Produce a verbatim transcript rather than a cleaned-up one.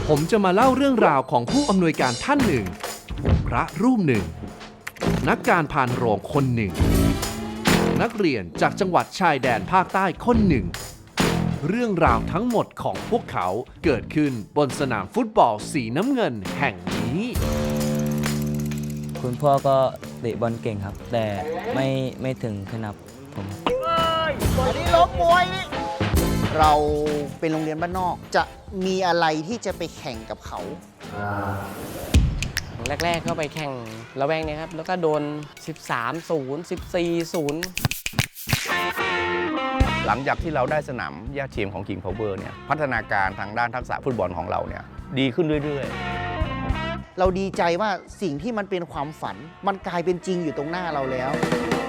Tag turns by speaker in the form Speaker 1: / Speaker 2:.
Speaker 1: ผมจะมาเล่าเรื่องราวของผู้อำนวยการท่านหนึ่ง พระรูปหนึ่ง นักการพานโรงคนหนึ่ง นักเรียนจากจังหวัดชายแดนภาคใต้คนหนึ่ง เรื่องราวทั้งหมดของพวกเขาเกิดขึ้นบนสนามฟุตบอลสีน้ำเงินแห่งนี้
Speaker 2: คุณพ่อก็เตะบอลเก่งครับ แต่ไม่ไม่ถึงขนาดผม
Speaker 3: อันนี้ล้มมวยนี่เราเป็นโรงเรียนบ้านนอกจะมีอะไรที่จะไปแข่งกับเขา
Speaker 4: แรกๆเข้าไปแข่งระแวงเนี่ยครับ แล้วก็โดน สิบสามศูนย์ สิบสี่ศูนย์
Speaker 5: หลังจากที่เราได้สนามหญ้าเทียมของ King Power เนี่ยพัฒนาการทางด้านทักษะฟุตบอลของเราเนี่ยดีขึ้นเรื่อยๆ
Speaker 3: เราดีใจว่าสิ่งที่มันเป็นความฝัน มันกลายเป็นจริงอยู่ตรงหน้าเราแล้ว